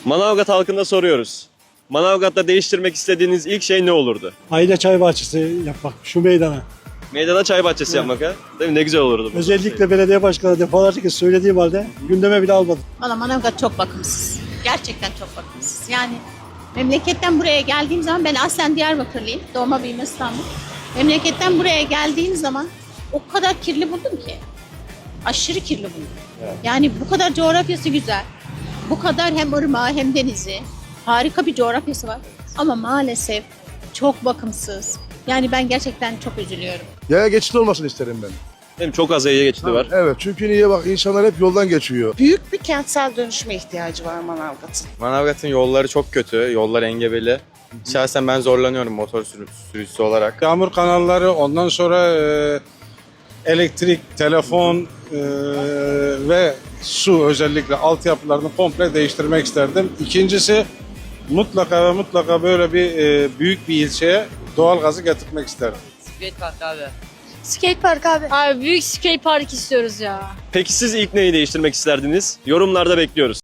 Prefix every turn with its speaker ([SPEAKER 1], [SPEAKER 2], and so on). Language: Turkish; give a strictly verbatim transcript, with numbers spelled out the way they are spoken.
[SPEAKER 1] Manavgat halkına soruyoruz. Manavgat'ta değiştirmek istediğiniz ilk şey ne olurdu?
[SPEAKER 2] Aile çay bahçesi yapmak şu meydana.
[SPEAKER 1] Meydana çay bahçesi yapmak ha? Değil mi? Ne güzel olurdu bu.
[SPEAKER 2] Özellikle belediye başkanı defalarca kez söylediğim halde gündeme bile almadı.
[SPEAKER 3] Valla Manavgat çok bakımsız. Gerçekten çok bakımsız. Yani memleketten buraya geldiğim zaman, ben aslen Diyarbakırlıyım. Doğma büyüme İstanbul. Memleketten buraya geldiğim zaman o kadar kirli buldum ki. Aşırı kirli buldum. Yani bu kadar coğrafyası güzel. Bu kadar hem ırmağı hem denizi. Harika bir coğrafyası var. Ama maalesef çok bakımsız. Yani ben gerçekten çok üzülüyorum.
[SPEAKER 4] Yaya geçidi olmasını isterim ben.
[SPEAKER 1] Değil mi? Çok az yaya geçidi var.
[SPEAKER 4] Evet, çünkü niye bak insanlar hep yoldan geçiyor.
[SPEAKER 5] Büyük bir kentsel dönüşüme ihtiyacı var Manavgat'ın.
[SPEAKER 6] Manavgat'ın yolları çok kötü, yollar engebeli. Şahsen ben zorlanıyorum motor sürü- sürücüsü olarak.
[SPEAKER 7] Yağmur kanalları, ondan sonra e, elektrik, telefon e, ve su, özellikle altyapılarını komple değiştirmek isterdim. İkincisi, mutlaka ve mutlaka böyle bir e, büyük bir ilçeye doğalgazı getirmek isterdim.
[SPEAKER 8] Skate park abi. Abi büyük skate park istiyoruz ya.
[SPEAKER 1] Peki siz ilk neyi değiştirmek isterdiniz? Yorumlarda bekliyoruz.